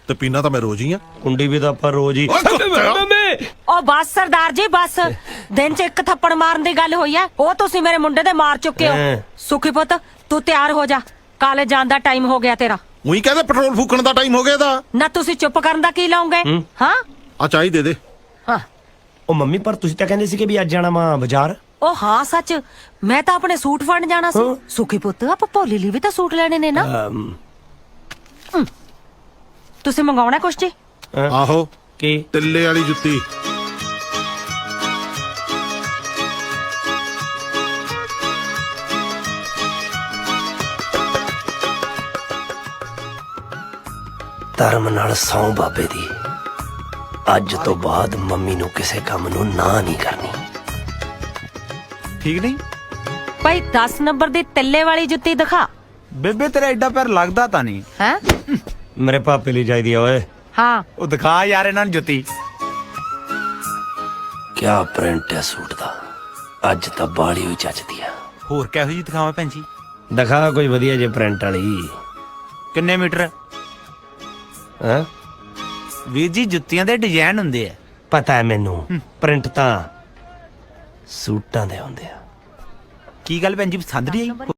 ਤੇ ਪੀਣਾ ਤਾਂ ਮੈਂ ਰੋਜ਼ ਹੀ ਆ। ਕੁੰਡੀ ਵੀ ਤਾਂ ਆਪਾਂ ਰੋਜ਼ ਹੀ। ਉਹ ਬਸ ਸਰਦਾਰ ਜੀ ਬਸ, ਦਿਨ ਚ ਇੱਕ ਥੱਪੜ ਮਾਰਨ ਦੀ ਗੱਲ ਹੋਈ ਐ, ਉਹ ਤੁਸੀਂ ਮੇਰੇ ਮੁੰਡੇ ਦੇ ਮਾਰ ਚੁੱਕੇ ਹੋ। ਸੁਖੀ ਪੁੱਤ ਤੂੰ ਤਿਆਰ ਹੋ ਜਾ, ਕਾਲਜ ਜਾਣ ਦਾ ਟਾਈਮ ਹੋ ਗਿਆ ਤੇਰਾ। ਉਹੀ ਕਹਿੰਦੇ ਪੈਟਰੋਲ ਫੂਕਣ ਦਾ ਟਾਈਮ ਹੋ ਗਿਆ ਦਾ। ਨਾ ਤੁਸੀਂ ਚੁੱਪ ਕਰਨ ਦਾ ਕੀ ਲਾਉਂਗੇ? ਹਾਂ ਆ ਚਾਹੀ ਦੇ ਦੇ। ਹਾਂ ਉਹ ਮੰਮੀ ਪਰ ਤੁਸੀਂ ਤਾਂ ਕਹਿੰਦੇ ਸੀ ਕਿ ਵੀ ਅੱਜ ਜਾਣਾ ਵਾ ਬਾਜ਼ਾਰ। ਉਹ ਹਾਂ ਸੱਚ, ਮੈਂ ਤਾਂ ਆਪਣੇ ਸੂਟ ਫੜਨ ਜਾਣਾ ਸੀ। ਸੁਖੀ ਪੁੱਤ ਆਪਾਂ ਭੋਲੀ ਲਈ ਵੀ ਤਾਂ ਸੂਟ ਲੈਣੇ ਨੇ ਨਾ। ਤੁਸੀਂ ਮੰਗਾਉਣਾ ਕੁਛ ਜੀ? ਆਹੋ ਕੀ? ਤਿੱਲੇ ਵਾਲੀ ਜੁੱਤੀ। ਧਰਮ ਨਾਲ ਸੌਂ ਬਾਬੇ ਦੀ, ਅੱਜ ਤੋਂ ਬਾਅਦ ਮੰਮੀ ਨੂੰ ਕਿਸੇ ਕੰਮ ਨੂੰ ਨਾ ਨਹੀਂ ਕਰਨੀ। ਠੀਕ ਨਹੀਂ ਭਾਈ 10 ਨੰਬਰ ਦੀ ਤਿੱਲੇ ਵਾਲੀ ਜੁੱਤੀ ਦਿਖਾ। ਬੇਬੇ ਤੇਰਾ ਐਡਾ ਪੈਰ ਲੱਗਦਾ ਤਾਂ ਨਹੀਂ। ਹੈ ਮੇਰੇ ਪਾਪੇ ਲਈ ਚਾਹੀਦੀ ਆ ਓਏ। ਹਾਂ ਉਹ ਦਿਖਾ ਯਾਰ ਇਹਨਾਂ ਨੂੰ ਜੁੱਤੀ। ਕਿਆ ਪ੍ਰਿੰਟ ਹੈ ਸੂਟ ਦਾ, ਅੱਜ ਤਾਂ ਬਾਲੀ ਹੋਈ ਚੱਜਦੀ ਆ। ਹੋਰ ਕਿਹੋ ਜੀ ਦਿਖਾਵਾਂ ਭੈਣ ਜੀ? ਦਿਖਾ ਕੋਈ ਵਧੀਆ ਜੇ ਪ੍ਰਿੰਟ ਵਾਲੀ। ਕਿੰਨੇ ਮੀਟਰ? ਹਾਂ ਵੀਰ ਜੀ ਜੁੱਤੀਆਂ ਦੇ ਡਿਜ਼ਾਈਨ ਹੁੰਦੇ ਆ। ਪਤਾ ਹੈ ਮੈਨੂੰ, ਪ੍ਰਿੰਟ ਤਾਂ ਸੂਟਾਂ ਦੇ ਹੁੰਦੇ ਆ। ਕੀ ਗੱਲ ਭੈਣ ਜੀ ਪਸੰਦ ਨਹੀਂ ਆਈ?